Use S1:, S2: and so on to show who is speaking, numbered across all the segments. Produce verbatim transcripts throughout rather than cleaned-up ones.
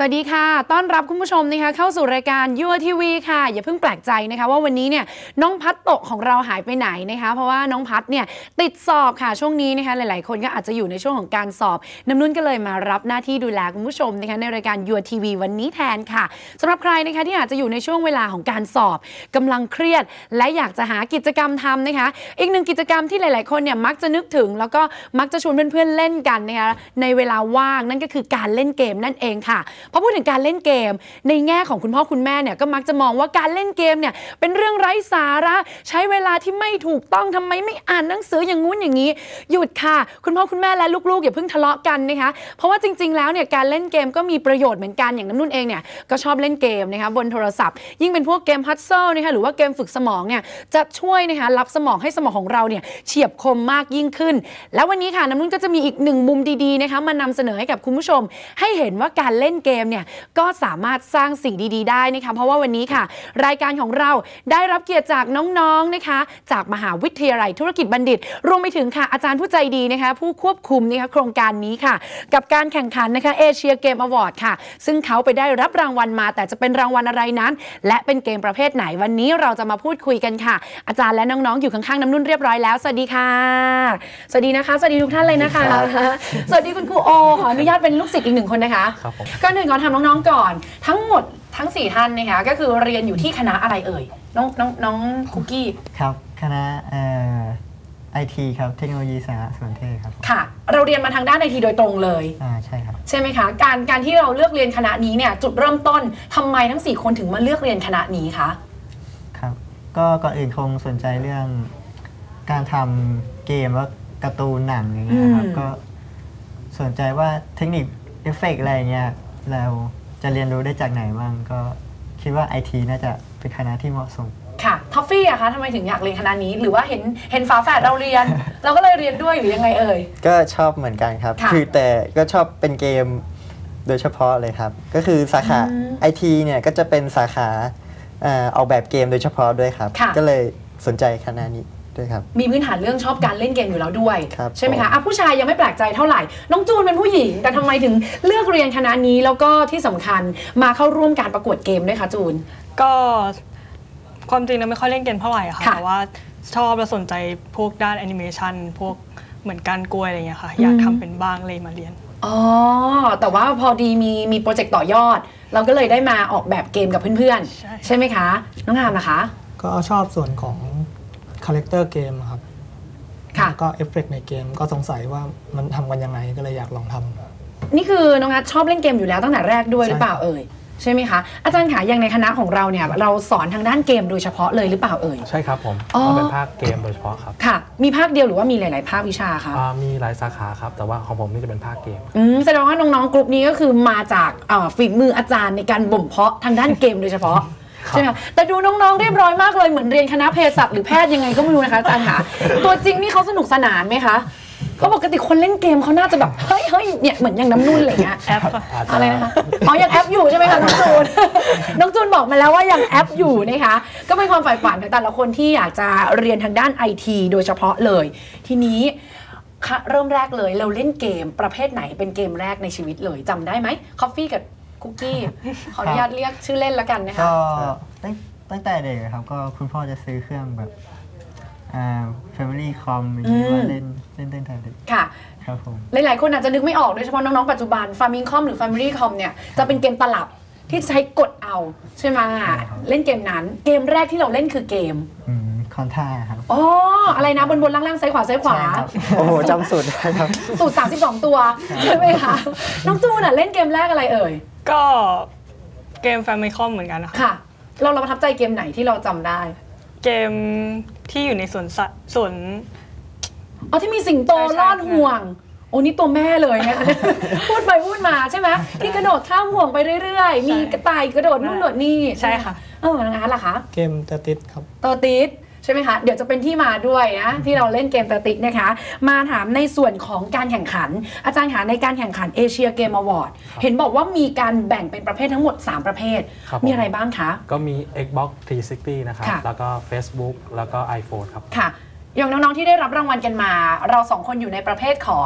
S1: วัสดีค่ะต้อนรับคุณผู้ชมนะคะเข้าสู่รายการยัวทีวีค่ะอย่าเพิ่งแปลกใจนะคะว่าวันนี้เนี่ยน้องพัดโตะของเราหายไปไหนนะคะเพราะว่าน้องพัดเนี่ยติดสอบค่ะช่วงนี้นะคะหลายๆคนก็อาจจะอยู่ในช่วงของการสอบน้ำนุ่นก็เลยมารับหน้าที่ดูแลคุณผู้ชมนะคะในรายการยัวทีวีวันนี้แทนค่ะสำหรับใครนะคะที่อาจจะอยู่ในช่วงเวลาของการสอบกำลังเครียดและอยากจะหากิจกรรมทำนะคะอีกหนึ่งกิจกรรมที่หลายๆคนเนี่ยมักจะนึกถึงแล้วก็มักจะชวนเพื่อนๆเล่นกันนะคะในเวลาว่างนั่นก็คือการเล่นเกมนั่นเองค่ะพอพูดถึงการเล่นเกมในแง่ของคุณพ่อคุณแม่เนี่ยก็มักจะมองว่าการเล่นเกมเนี่ยเป็นเรื่องไร้สาระใช้เวลาที่ไม่ถูกต้องทำไมไม่อ่านหนังสืออย่างงู้นอย่างนี้หยุดค่ะคุณพ่อคุณแม่และลูกๆอย่าเพิ่งทะเลาะกันนะคะเพราะว่าจริงๆแล้วเนี่ยการเล่นเกมก็มีประโยชน์เหมือนกันอย่างน้ำนุ่นเองเนี่ยก็ชอบเล่นเกมนะคะบนโทรศัพท์ยิ่งเป็นพวกเกมพัซเซิลนะคะหรือว่าเกมฝึกสมองเนี่ยจะช่วยนะคะรับสมองให้สมองของเราเนี่ยเฉียบคมมากยิ่งขึ้นแล้ววันนี้ค่ะน้ำนุ่นก็จะมีอีกหนึ่งมุมดีๆนะคะมานำเสนอให้กับคุณผู้ชมให้เห็นว่าการเล่นเกมเนี่ยก็สามารถสร้างสิ่งดีๆได้นะคะเพราะว่าวันนี้ค่ะรายการของเราได้รับเกียรติจากน้องๆนะคะจากมหาวิทยาลัยธุรกิจบัณฑิตรวมไปถึงค่ะอาจารย์ผู้ใจดีนะคะผู้ควบคุมนะคะโครงการนี้ค่ะกับการแข่งขันนะคะเอเชียเกมอวอร์ดค่ะซึ่งเขาไปได้รับรางวัลมาแต่จะเป็นรางวัลอะไรนั้นและเป็นเกมประเภทไหนวันนี้เราจะมาพูดคุยกันค่ะอาจารย์และน้องๆอยู่ข้างๆน้ำนุ่นเรียบร้อยแล้วสวัสดีค่ะสวัสดีนะคะสวัสดีทุกท่านเลยนะคะสวัสดีคุณครูโอขออนุญาตเป็นลูกศิษย์อีกหนึ่งคนนะคะก่อนหนึ่งก่อนทำน้องๆก่อนทั้งหมดทั้งสี่ท่านนะคะก็คือเรียนอยู่ที่คณะอะไรเอ่ยน้องน้องน้องคุกกี้
S2: ครับคณะเอ่อไอทีครับเทคโนโลยีสารสนเทศครับ
S1: ค่ะเราเรียนมาทางด้านไอทีโดยตรงเลย
S2: อ่าใช่ครับ
S1: ใช่ไหมคะการการที่เราเลือกเรียนคณะนี้เนี่ยจุดเริ่มต้นทำไมทั้งสี่คนถึงมาเลือกเรียนคณะนี้คะ
S2: ครับก็ก่อนอื่นคงสนใจเรื่องการทำเกมว่าการ์ตูนหนังอย่างเงี้ยครับก็สนใจว่าเทคนิคเอฟเฟกต์อะไรเงี้ยเราจะเรียนรู้ได้จากไหนบ้างก็คิดว่า ไอ ที น่าจะเป็นคณะที่เหมาะสม
S1: ค่ะท็อฟฟี่อะคะทำไมถึงอยากเรียนคณะนี้หรือว่าเห็นเห็นฝาแฝดเราเรียน เราก็เลยเรียนด้วยหรือยังไงเอ่ย
S2: ก็ชอบเหมือนกันครับคือแต่ก็ชอบเป็นเกมโดยเฉพาะเลยครับก็คือสาขา ไอ ที เนี่ยก็จะเป็นสาขาออกแบบเกมโดยเฉพาะด้วยครับก็เลยสนใจคณะนี้ด้วยครับ
S1: มีพื้นฐานเรื่องชอบการเล่นเกมอยู่แล้วด้วยใช่ไหมคะ
S2: อ่ะ
S1: ผู้ชายยังไม่แปลกใจเท่าไหร่น้องจูนเป็นผู้หญิงแต่ทำไมถึงเลือกเรียนคณะนี้แล้วก็ที่สำคัญมาเข้าร่วมการประกวดเกมด้วยคะจูน
S3: ก็ความจริงเราไม่ค่อยเล่นเกมเท่าไหร่ค่ะแต่ว่าชอบและสนใจพวกด้านแอนิเมชันพวกเหมือนการกล้วยอะไรเงี้ยค่ะอยากทำเป็นบ้างเลยมาเรียน
S1: อ๋อแต่ว่าพอดีมีมีโปรเจกต์ต่อยอดเราก็เลยได้มาออกแบบเกมกับเพื่อนๆใช่ไหมคะน้องงามนะคะ
S4: ก็ชอบส่วนของคาแรคเตอร์เกมครับแล้วก็เอฟเฟกต์ในเกมก็สงสัยว่ามันทำกันยังไงก็เลยอยากลองทำ
S1: นี่คือน้องนัทชอบเล่นเกมอยู่แล้วตั้งแต่แรกด้วยหรือเปล่าเอ่ยใช่ไหมคะอาจารย์ขาอย่างในคณะของเราเนี่ยเราสอนทางด้านเกมโดยเฉพาะเลยหรือเปล่าเอ่ย
S5: ใช่ครับผมเราเป็นภาคเกมโดยเฉพาะครับ
S1: ค่ะมีภาคเดียวหรือว่ามีหลายๆภาควิชาคะ
S5: มีหลายสาขาครับแต่ว่าของผมนี่จะเป็นภาคเกม
S1: อืมแสดงว่าน้องๆกลุ่มนี้ก็คือมาจากฝีมืออาจารย์ในการบ่มเพาะทางด้านเกมโดยเฉพาะใช่ไหมแต่ดูน้องๆเรียบร้อยมากเลยเหมือนเรียนคณะเภสัชหรือแพทย์ยังไงก็ไม่รู้นะคะอาจารย์ค่ะตัวจริงนี่เขาสนุกสนานไหมคะเขาปกติคนเล่นเกมเขาน่าจะแบบเฮ้ยเฮ้ยเนี่ยเหมือนอย่างน้ำนุ่นอะไรเงี้ย
S3: แอป
S1: อะไรนะคะอ๋อยังแอปอยู่ใช่ไหมคะน้องจูนน้องจูนบอกมาแล้วว่ายังแอปอยู่นะคะก็เป็นความใฝ่ฝันของแต่ละคนที่อยากจะเรียนทางด้านไอทีโดยเฉพาะเลยทีนี้เริ่มแรกเลยเราเล่นเกมประเภทไหนเป็นเกมแรกในชีวิตเลยจำได้ไหมคอฟฟี่กับคุกกี้ขออนุญาตเรียกชื่อเล่นแล้วกันนะคะ
S2: ก็ตั้งแต่เด็กครับก็คุณพ่อจะซื้อเครื่องแบบอ่า Family Com อย่างนี้ว่าเล่นเล่นเล่นแต่เด็ก
S1: ค่ะ
S2: ครับผม
S1: หลายๆคนอาจจะนึกไม่ออกโดยเฉพาะน้องๆปัจจุบัน Famicom หรือ Family Com เนี่ยจะเป็นเกมตลับที่ใช้กดเอาใช่ไหมเล่นเกมนั้นเกมแรกที่เราเล่นคือเกม
S2: คอนท่าครับ
S1: อ๋ออะไรนะบนบนล่างล่างซ้ายขวาซ้ายขวา
S2: โอ้โหจำสูตรได้ครับ
S1: สูตรสามสิบสองตัวใช่ไหมคะน้องจูนเล่นเกมแรกอะไรเอ่ย
S3: ก็เกม Famicom เหมือนกันนะคะ
S1: ค่ะเราเราประทับใจเกมไหนที่เราจำได้
S3: เกมที่อยู่ในสวนสัตว์สวน
S1: อ๋อที่มีสิงโตลอดห่วงโอ้นี่ตัวแม่เลยนะคะพูดไปพูดมาใช่ไหมที่กระโดดข้ามห่วงไปเรื่อยๆมีกระต่ายกระโดดนู่นโดดนี่
S3: ใช่ค่ะ
S1: เอองั้นล่ะคะ
S4: เกมเตอร์ติสครับ
S1: เตอร์ติสใช่ไหมคะเดี๋ยวจะเป็นที่มาด้วยนะที่เราเล่นเกมเตอร์ติสนะคะมาถามในส่วนของการแข่งขันอาจารย์คะในการแข่งขันเอเชียเกมอวอร์ดเห็นบอกว่ามีการแบ่งเป็นประเภททั้งหมดสามประเภทมีอะไรบ้างคะ
S5: ก็มี Xbox สามร้อยหกสิบนะครับแล้วก็ Facebook แล้วก็ iPhone ครับ
S1: ค่ะอย่างน้องๆที่ได้รับรางวัลกันมาเราสองคนอยู่ในประเภทของ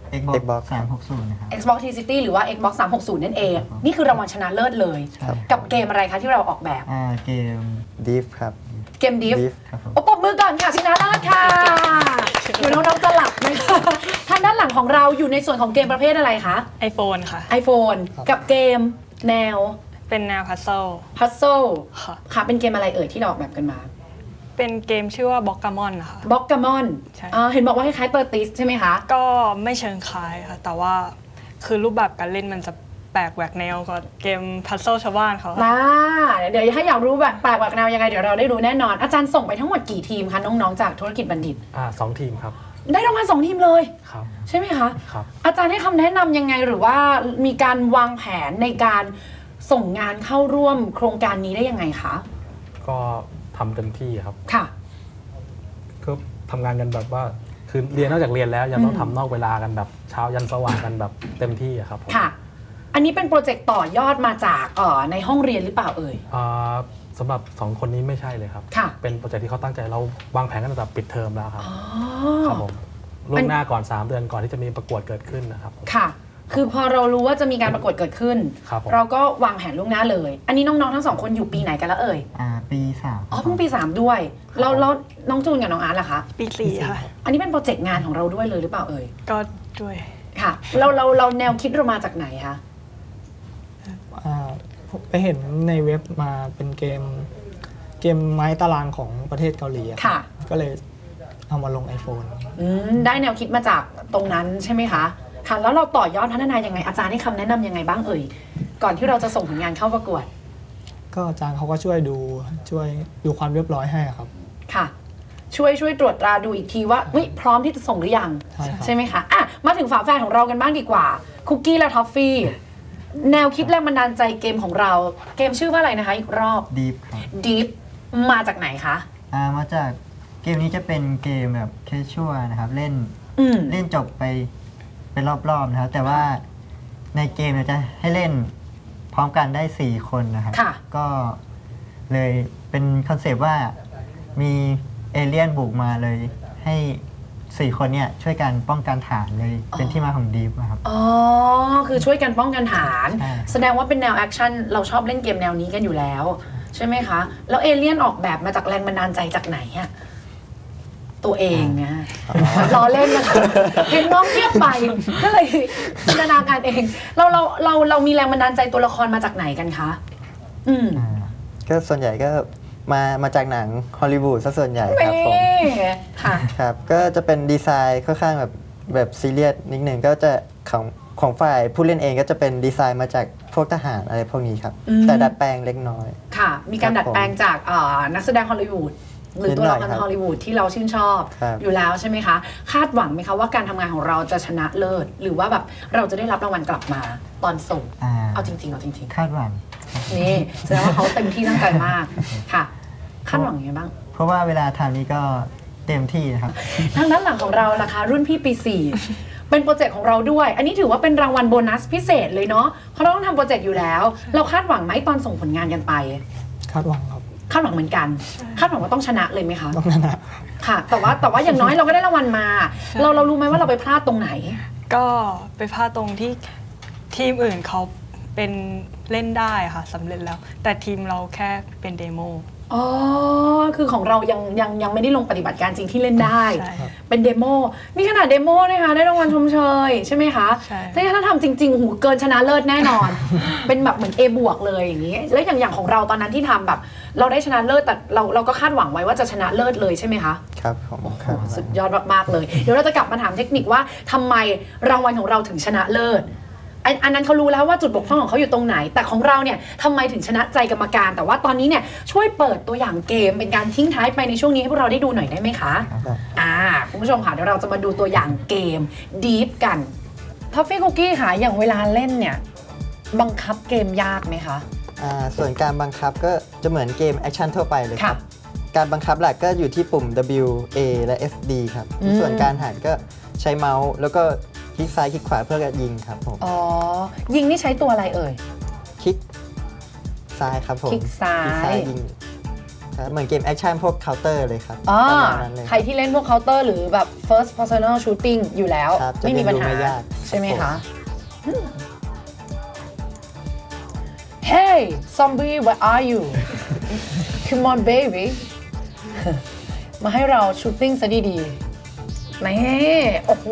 S2: Xbox
S6: Xbox
S2: สามหกศูนย์นะครับ
S1: Xbox T City หรือว่า Xbox สามหกศูนย์นั่นเอง นี่คือรางวัลชนะเลิศเลย
S6: ครับ
S1: กับเกมอะไรคะที่เราออกแบบ
S2: อ่าเกม
S6: ดิฟครับ
S1: เกมดิฟ
S6: ดิฟ
S2: ครับผม
S1: โอ้ปรบมือก่อนค่ะชนะเลิศค่ะอยู่น้องๆจะหลับไหมคะทางด้านหลังของเราอยู่ในส่วนของเกมประเภทอะไรคะ
S3: iPhone ค่ะ
S1: iPhone กับเกมแนว
S3: เป็นแนวพัซเซิล
S1: พัซเซิล
S3: ค่ะ
S1: ค่ะเป็นเกมอะไรเอ่ยที่เราออกแบบกันมา
S3: เป็นเกมชื่อว่าบ็อกกามอนนะคะ
S1: บล็อกกามอน
S3: ใช่
S1: เห็นบอกว่าคล้ายๆเตอร์ติสใช่ไหมคะ
S3: ก็ไม่เชิงคล้ายค่ะ แต่ว่าคือรูปแบบการเล่นมันจะแปลกแหวกแนวกว่าเกมพัซเซิลชาวบ้านเขาค่ะ
S1: มาเดี๋ยวถ้าอยากรู้แบบแปลกแหวกแนวยังไงเดี๋ยวเราได้รู้แน่นอน อาจารย์ส่งไปทั้งหมดกี่ทีมคะน้องๆจากธุรกิจบัณฑิต
S5: อ่าสองทีมครับ
S1: ได้รางวัลสองทีมเลย
S5: ครับ
S1: ใช่ไหมคะ
S5: ครับ
S1: อาจารย์ให้คำแนะนำยังไงหรือว่ามีการวางแผนในการส่งงานเข้าร่วมโครงการนี้ได้ยังไงคะ
S5: ก็ทำเต็มที่ครับ
S1: ค่ะ
S5: ก็ทำงานกันแบบว่าคือเรียนนอกจากเรียนแล้วยังต้อง
S1: อืม
S5: ทำนอกเวลากันแบบเช้ายันสว่างกันแบบเต็มที่อะครับผม
S1: ค่ะ อันนี้เป็นโปรเจกต์ต่อยอดมาจากเอ่อในห้องเรียนหรือเปล่าเอ่ย
S5: อ่าสำหรับสองคนนี้ไม่ใช่เลยครับ
S1: ค่ะ
S5: เป็นโปรเจกต์ที่เขาตั้งใจเราวางแผนกันตั้งแต่ปิดเทอมแล้วครับ
S1: อ๋อ
S5: ครับผมล่วงหน้าก่อนสามเดือนก่อนที่จะมีประกวดเกิดขึ้นนะครับผม
S1: ค่ะ คือพอเรารู้ว่าจะมีการประกวดเกิดขึ้น
S5: ครับผม
S1: เราก็วางแผนล่วงหน้าเลย อันนี้น้องๆทั้งสองคนอยู่ปีไหนกันแล้วเอ่ย
S2: อ่าปีสาม
S1: อ๋อเพิ่งปีสามด้วยแล้วแล้วน้องจูนกับน้องอาร์ตล่ะคะ
S3: ปีสี่ค่ะ
S1: อันนี้เป็นโปรเจกต์งานของเราด้วยเลยหรือเปล่าเอ่ย
S3: ก็ด้วย
S1: ค่ะ เราเราเราแนวคิดเรามาจากไหนคะ
S4: อ่าผมไปเห็นในเว็บมาเป็นเกมเกมไม้ตารางของประเทศเกาหลีอะ
S1: ค่ะ
S4: ก็เลยเอามาลง iPhone
S1: อืมได้แนวคิดมาจากตรงนั้นใช่ไหมคะ ค่ะ แล้วเราต่อยอดพัฒนายังไง อาจารย์ให้คำแนะนำยังไงบ้างเอ่ย ก่อนที่เราจะส่งผลงานเข้าประกวด
S4: ก็อาจารย์เขาก็ช่วยดูช่วยดูความเรียบร้อยให้ครับ
S1: ค่ะ ช่วยช่วยตรวจตราดูอีกทีว่าเฮ้ยพร้อมที่จะส่งหรือยัง
S4: ใช่ครับ
S1: ใช่ไหมคะ อ่ะ มาถึงฝาแฝดของเรากันบ้างดีกว่า คุกกี้และทอฟฟี่ แนวคิดแรงบันดาลใจเกมของเรา เกมชื่อว่าอะไรนะคะ อีกรอบ
S2: ดีฟครับ
S1: Deep มาจากไหนคะ
S2: อ่ามาจากเกมนี้จะเป็นเกมแบบแคชชัวนะครับ เล่น
S1: อืม
S2: เล่นจบไปเป็นรอบๆนะครับ แต่ว่าในเกมเนี่ยจะให้เล่นพร้อมกันได้สี่คนนะครับ
S1: ค่ะ
S2: ก็เลยเป็นคอนเซปต์ว่ามีเอเลี่ยนบุกมาเลย ให้สี่คนเนี่ยช่วยกันป้องกันฐานเลยเป็นที่มาของดีฟนะครับ
S1: อ๋อ คือช่วยกันป้องกันฐาน
S2: ใช่
S1: แสดงว่าเป็นแนวแอคชั่น เราชอบเล่นเกมแนวนี้กันอยู่แล้ว ใช่ไหมคะ แล้วเอเลี่ยนออกแบบมาจากแรงบันดาลใจจากไหนอะตัวเองนะล้อเล่นนะคะเห็นน้องเทียบไปก็เลยจินตนาการเอง เราเราเราเรามีแรงบันดาลใจตัวละครมาจากไหนกันคะ อืม
S2: อ่า
S6: ก็ส่วนใหญ่ก็มามาจากหนังฮอลลีวูดซะส่วนใหญ่ครับผม
S1: นี่ค่ะ
S6: ครับก็จะเป็นดีไซน์ค่อนข้างแบบแบบซีเรียสนิดหนึ่งก็จะของของฝ่ายผู้เล่นเองก็จะเป็นดีไซน์มาจากพวกทหารอะไรพวกนี้ครับ
S1: อืม
S6: แต่ดัดแปลงเล็กน้อย
S1: ค่ะ มีการ
S6: ครับ
S1: ดัดแปลงจากเอ่อนักแสดงฮอลลีวูดหรือตัวละค
S6: นิดหน่อยครับ
S1: รฮอลลีวูดที่เราชื่นชอบ
S6: ครับ
S1: อยู่แล้วใช่ไหมคะ คาดหวังไหมคะว่าการทำงานของเราจะชนะเลิศ หรือว่าแบบเราจะได้รับรางวัลกลับมาตอนส่ง
S2: อ่า
S1: เอาจริงๆเอาจริง
S2: คาดหวัง
S1: ๆ นี่แสดงว่าเขาเต็มที่ตั้งใจมากค่ะ คาดหวังยังไงบ้าง
S2: เพราะว่าเวลาทำนี้ก็เต็มที่นะครับ
S1: ทางด้านหลังของเราล่ะคะรุ่นพี่ปีสี่เป็นโปรเจกต์ของเราด้วย อันนี้ถือว่าเป็นรางวัลโบนัสพิเศษเลยเนาะเพราะเราต้องทำโปรเจกต์อยู่แล้ว เราคาดหวังไหมตอนส่งผลงานกันไป
S4: คาดหวังครับ
S1: คาดหวังเหมือนกัน คาดหวังว่าต้องชนะเลยไหมคะ
S4: ต้องชนะ
S1: ค่ะ แต่ว่าแต่ว่าอย่างน้อยเราก็ได้รางวัลมา เราเรารู้ไหมว่าเราไปพลาดตรงไหน
S3: ก็ไปพลาดตรงที่ทีมอื่นเขาเป็นเล่นได้ค่ะสำเร็จแล้ว แต่ทีมเราแค่เป็นเดโม
S1: อ๋อ คือของเรายังยังยังไม่ได้ลงปฏิบัติการจริงที่เล่นได้
S3: ใช่ครับ
S1: เป็นเดโมนี่ขนาดเดโมนะคะได้รางวัลชมเชยใช่ไหมคะ
S3: ใช่
S1: แต่ถ้าทำจริงๆหูเกินชนะเลิศแน่นอน เป็นแบบเหมือน A บวกเลยอย่างนี้ แล้วอย่างอย่างของเราตอนนั้นที่ทำแบบ เราได้ชนะเลิศแต่เราเราก็คาดหวังไว้ว่าจะชนะเลิศเลยใช่ไหมคะ
S6: ครับผมครับ
S1: สุดยอดมากๆเลย เดี๋ยวเราจะกลับมาถามเทคนิคว่าทำไมรางวัลของเราถึงชนะเลิศ อันอันนั้นเขารู้แล้วว่าจุดบกพร่องของเขาอยู่ตรงไหน แต่ของเราเนี่ยทำไมถึงชนะใจกรรมการ แต่ว่าตอนนี้เนี่ยช่วยเปิดตัวอย่างเกมเป็นการทิ้งท้ายไปในช่วงนี้ให้พวกเราได้ดูหน่อยได้ไหมคะ
S6: ครับ
S1: อ่าคุณผู้ชมค่ะเดี๋ยวเราจะมาดูตัวอย่างเกม Deep กันท็อฟฟี่คุกกี้ค่ะอย่างเวลาเล่นเนี่ยบังคับเกมยากไหมคะ
S6: อ่าส่วนการบังคับก็จะเหมือนเกมแอคชั่นทั่วไปเลยค
S1: ค่ะ
S6: รับ การบังคับหลักก็อยู่ที่ปุ่ม W A และ F D ครับ
S1: อืม
S6: ส่วนการหันก็ใช้เมาส์แล้วก็คลิกซ้ายคลิกขวาเพื่อยิงครับผม
S1: อ๋อยิงนี่ใช้ตัวอะไรเอ่ย
S6: คลิกซ้ายครับผม
S1: คลิกซ้าย
S6: ยิงครับเหมือนเกมแอคชั่นพวกเคาน์เตอร์เลยครับ
S1: อ่า
S6: ประมาณนั้นเลย
S1: ใครที่เล่นพวกเคาน์เตอร์หรือแบบ first personal shooting อยู่แล้ว
S6: ครับจะ
S1: ไม่มีปัญหา
S6: เรียนรู้ไม่ยาก
S1: ใช่ไหม
S6: ครั
S1: คะ
S6: บ
S1: อืม Hey zombie where are you come on baby มาให้เราชูตติ้งซะดีๆนี่โอ้โห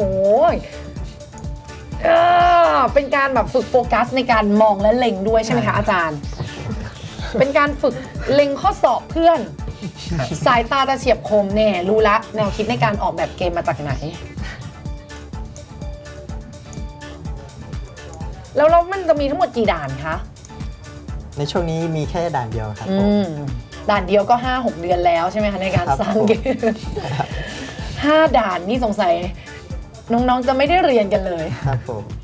S1: เออเป็นการแบบฝึกโฟกัสในการมองและเล็งด้วยใช่ไหมคะอาจารย์ เป็นการฝึกเล็งข้อสอบเพื่อน สายตาตะเฉียบคมแน่รู้ละแนวคิดในการออกแบบเกมมาจากไหน แล้วแล้วมันจะมีทั้งหมดกี่ด่านคะ
S6: ในช่วงนี้มีแค่ด่านเดียวครับ
S1: อื
S6: ผม
S1: ม ด่านเดียวก็ ห้าหก เดือนแล้วใช่ไหมคะในการ
S6: ครับ
S1: สร้าง
S6: ผม
S1: เกมห้าด่านนี่สงสัย น้องๆจะไม่ได้เรียนกันเลย
S6: ครับผม